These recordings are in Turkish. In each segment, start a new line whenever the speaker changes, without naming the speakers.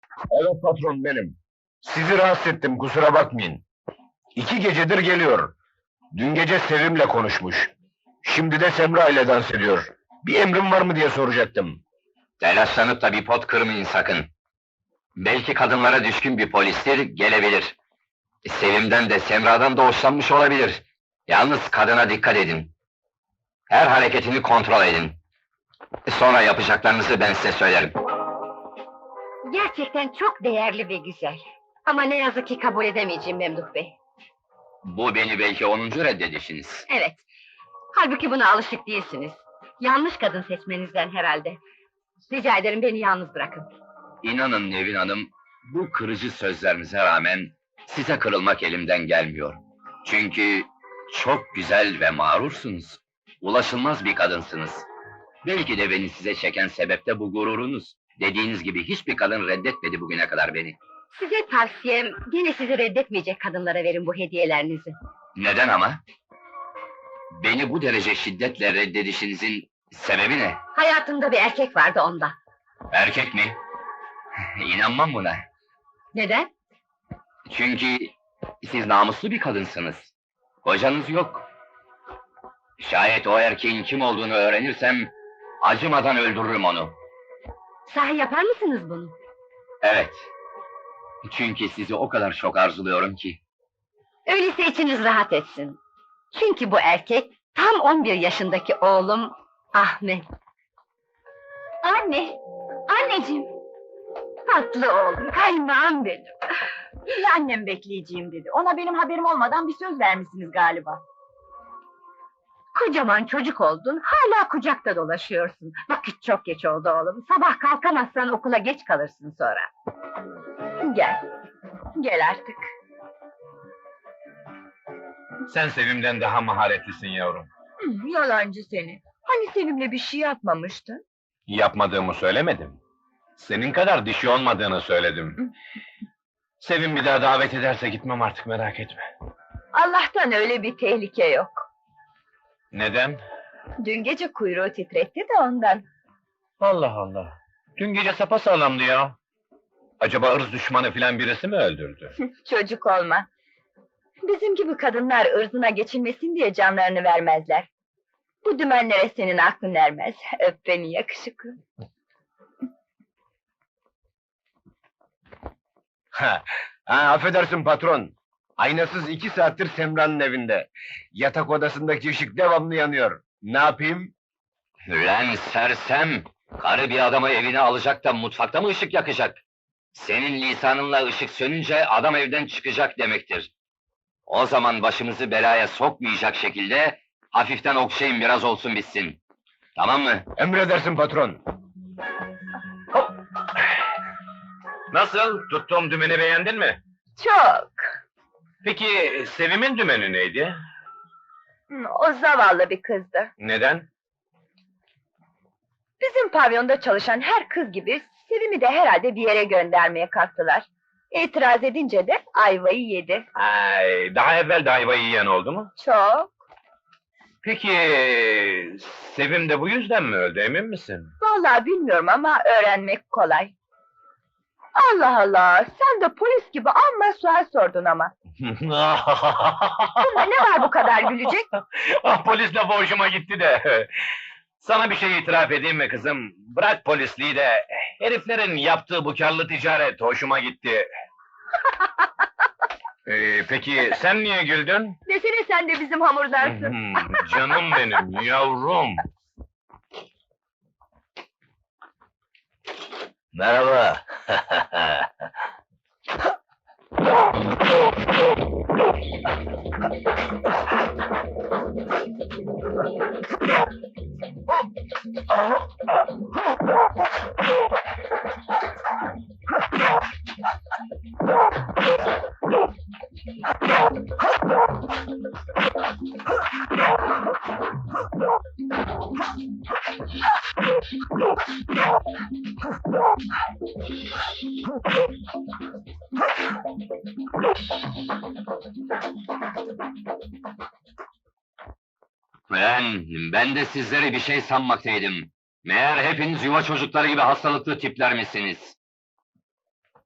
Evet patron, benim. Sizi rahatsız ettim, kusura bakmayın. 2 gecedir geliyor. Dün gece Sevim'le konuşmuş. Şimdi de Semra ile dans ediyor. Bir emrim var mı diye soracaktım.
Telaşlanıp da bir pot kırmayın sakın. Belki kadınlara düşkün bir polistir, gelebilir. Sevim'den de Semra'dan da hoşlanmış olabilir. Yalnız kadına dikkat edin. Her hareketini kontrol edin. Sonra yapacaklarınızı ben size söylerim.
Gerçekten çok değerli ve güzel. Ama ne yazık ki kabul edemeyeceğim Memduh Bey.
Bu beni belki 10. reddedişiniz.
Evet. Halbuki buna alışık değilsiniz. Yanlış kadın seçmenizden herhalde. Rica ederim beni yalnız bırakın.
İnanın Nevin Hanım, bu kırıcı sözlerinize rağmen size kırılmak elimden gelmiyor. Çünkü çok güzel ve mağrursunuz. Ulaşılmaz bir kadınsınız. Belki de beni size çeken sebep de bu gururunuz. Dediğiniz gibi hiçbir kadın reddetmedi bugüne kadar beni.
Size tavsiyem, gene sizi reddetmeyecek kadınlara verin bu hediyelerinizi.
Neden ama? Beni bu derece şiddetle reddedişinizin sebebi ne?
Hayatımda bir erkek vardı ondan.
Erkek mi? İnanmam buna.
Neden?
Çünkü siz namuslu bir kadınsınız. Kocanız yok. Şayet o erkeğin kim olduğunu öğrenirsem, acımadan öldürürüm onu.
Sahi yapar mısınız bunu?
Evet. Çünkü sizi o kadar çok arzuluyorum ki.
Öyleyse içiniz rahat etsin. Çünkü bu erkek, tam 11 yaşındaki oğlum Ahmet. Anne, anneciğim. Tatlı oğlum, kaymağım benim.
İyi annem bekleyeceğim dedi. Ona benim haberim olmadan bir söz vermişsiniz galiba.
Kocaman çocuk oldun, hala kucakta dolaşıyorsun. Vakit çok geç oldu oğlum. Sabah kalkamazsan okula geç kalırsın sonra. Gel, gel artık.
Sen Sevim'den daha maharetlisin yavrum.
Yalancı seni. Hani Sevim'le bir şey yapmamıştın?
Yapmadığımı söylemedim. Senin kadar dişi olmadığını söyledim. Sevim bir daha davet ederse gitmem artık, merak etme.
Allah'tan öyle bir tehlike yok.
Neden?
Dün gece kuyruğu titretti de ondan.
Allah Allah. Dün gece sapasağlamdı ya. Acaba ırz düşmanı filan birisi mi öldürdü?
Çocuk olma. Bizim gibi kadınlar ırzına geçilmesin diye canlarını vermezler. Bu dümenlere senin aklın ermez. Öp beni yakışıklı.
Affedersin patron. Aynasız 2 saattir Semra'nın evinde. Yatak odasındaki ışık devamlı yanıyor. Ne yapayım?
Ulan sersem! Karı bir adamı evine alacak da mutfakta mı ışık yakacak? Senin lisanınla ışık sönünce adam evden çıkacak demektir. O zaman başımızı belaya sokmayacak şekilde hafiften okşayın, biraz olsun bitsin. Tamam mı?
Emredersin patron. Hop! Nasıl? Tuttuğum dümeni beğendin mi?
Çok.
Peki Sevim'in dümeni neydi?
O zavallı bir kızdı.
Neden?
Bizim pavyonda çalışan her kız gibi Sevim'i de herhalde bir yere göndermeye kalktılar. İtiraz edince de ayvayı yedi.
Ay, daha evvel de ayvayı yiyen oldu mu?
Çok.
Peki Sevim de bu yüzden mi öldü, emin misin?
Vallahi bilmiyorum ama öğrenmek kolay. Allah Allah, sen de polis gibi amma sual sordun ama. Bunda ne var bu kadar gülecek?
Polis lafı hoşuma gitti de. Sana bir şey itiraf edeyim mi kızım? Bırak polisliği de, heriflerin yaptığı bu karlı ticaret hoşuma gitti. Peki sen niye güldün?
Desene sen de bizim hamurdansın.
Canım benim, yavrum.
Merhaba. Ben de sizleri bir şey sanmaktaydım. Meğer hepiniz yuva çocukları gibi hastalıklı tipler misiniz?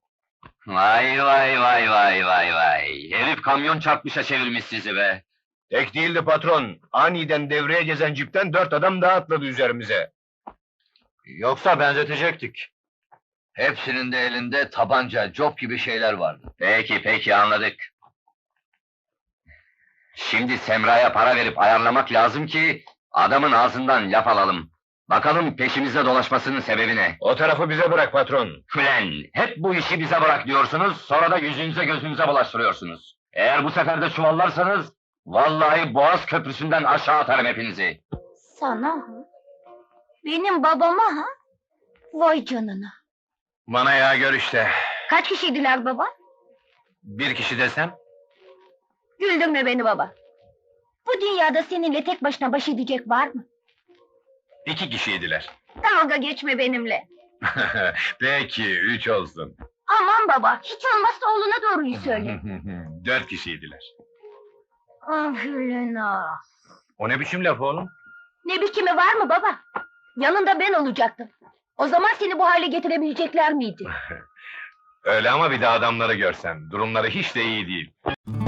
Vay vay vay vay vay vay! Herif kamyon çarpmışa çevirmiş sizi be!
Tek değildi patron. Aniden devreye gezen cipten 4 adam daha atladı üzerimize. Yoksa benzetecektik.
Hepsinin de elinde tabanca, cop gibi şeyler vardı. Peki peki anladık. Şimdi Semra'ya para verip ayarlamak lazım ki adamın ağzından laf alalım. Bakalım peşimizde dolaşmasının sebebi ne?
O tarafı bize bırak patron.
Ulan hep bu işi bize bırak diyorsunuz, sonra da yüzünüze gözünüze bulaştırıyorsunuz. Eğer bu sefer de çuvallarsanız, vallahi Boğaz Köprüsü'nden aşağı atarım hepinizi.
Sana ha? Benim babama ha? Vay canına!
Bana ya gör işte.
Kaç kişiydiler baba?
Bir kişi desem?
Güldürme beni baba! Bu dünyada seninle tek başına baş edecek var mı?
2 kişiydiler.
Dalga geçme benimle!
Peki 3 olsun.
Aman baba, hiç olmazsa oğluna doğruyu söyle.
4 kişiydiler.
Ah Hülena!
O ne biçim laf oğlum?
Ne biçimi var mı baba? Yanında ben olacaktım. O zaman seni bu hale getirebilecekler miydi?
Öyle ama bir de adamları görsem. Durumları hiç de iyi değil.